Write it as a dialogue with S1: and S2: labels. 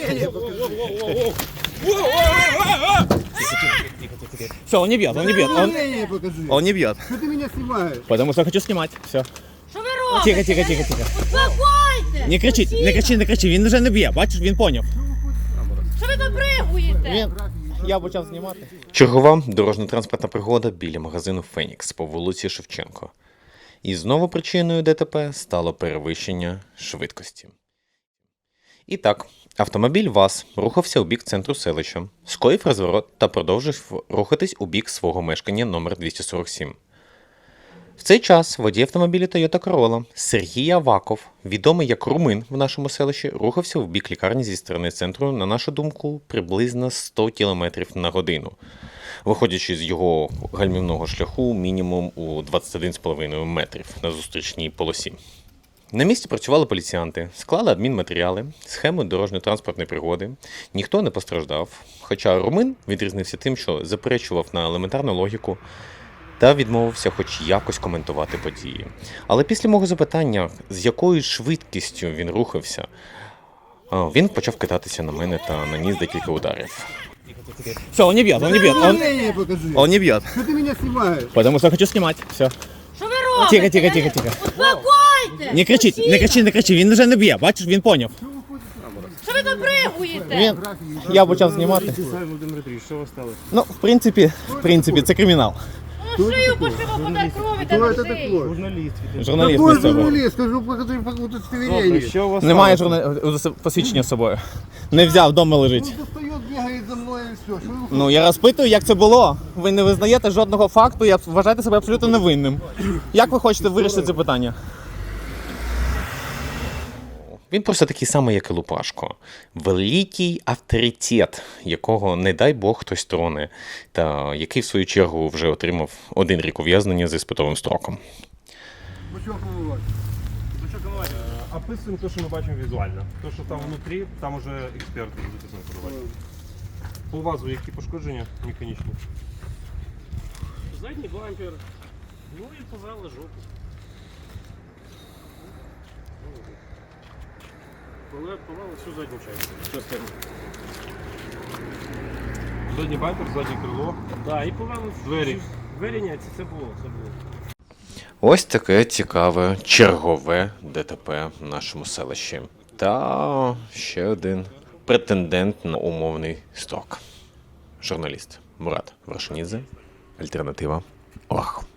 S1: Все, он не бьет, он не бьет. Он не бьет.
S2: Что ты меня снимаешь?
S1: Потому что хочу снимать. Все.
S3: Що ви робите?
S1: Тихо.
S3: Успокойте!
S1: Не кричи. Він вже не б'є. Бачиш, він поняв.
S3: Що ви добригуєте?
S1: Я почав знімати.
S4: Чергова дорожньо-транспортна пригода біля магазину «Фенікс» по вулиці Шевченко. І знову причиною ДТП стало перевищення швидкості. І так, автомобіль ВАЗ рухався у бік центру селища, скоїв розворот та продовжив рухатись у бік свого мешкання номер 247. В цей час водій автомобіля Toyota Corolla Сергій Аваков, відомий як Румин в нашому селищі, рухався в бік лікарні зі сторони центру, на нашу думку, приблизно 100 км на годину, виходячи з його гальмівного шляху мінімум у 21,5 метрів на зустрічній полосі. На місці працювали поліціянти, склали адмінматеріали, схему дорожньо-транспортної пригоди. Ніхто не постраждав, хоча Румин відрізнився тим, що заперечував на елементарну логіку та відмовився хоч якось коментувати події. Але після мого запитання, з якою швидкістю він рухався, він почав кидатися на мене та наніс декілька ударів.
S1: Все, он не бьет. Он не бьет.
S2: Что ты меня снимаешь?
S1: Потому что хочу снимать. Все.
S3: Що ви робите?
S1: Тихо.
S3: Успокойте!
S1: Не кричи. Він вже не б'є. Бачиш, він поняв.
S3: Що ви добригуєте?
S1: Я почав знімати.
S2: Что вы стали?
S1: Ну, в принципі, це кримінал.
S3: Ну шию пошиво подай крові та
S2: Кто это
S3: на
S2: такой?
S3: шию.
S5: Журналіст.
S1: Журналіст
S2: Какой
S1: місцевий.
S2: журналист? Скажу, покажи удостоверение.
S5: Що у вас
S1: Немає
S5: сталося?
S1: посвідчення з собою. Не взяв, вдома лежить.
S2: Он достает, бегает за мной и все. Что вы
S1: Ну, я розпитую, як це було. Ви не визнаєте жодного факту, і вважаєте себе абсолютно невинним. Як ви хочете вирішити це питання?
S4: Він просто такий самий, як і Лупашко. Великий авторитет, якого, не дай Бог, хтось троне, та який, в свою чергу, вже отримав 1 рік ув'язнення з іспитовим строком.
S2: бычок выводит?
S5: Описуємо те, що ми бачимо візуально. Те, що там внутрі, там уже експерти будуть оцінкувати. По ВАЗу які пошкодження механічні?
S6: Задній бампер, ну і позала жопу. Повали всю задню частину.
S5: Задній бампер, заднє крило.
S6: Так, і повали
S5: Двері.
S6: Двері ні, це було.
S4: Ось таке цікаве чергове ДТП в нашому селищі. Та ще один претендент на умовний строк. Журналіст Мурат Вершинідзе. Альтернатива ОАХ.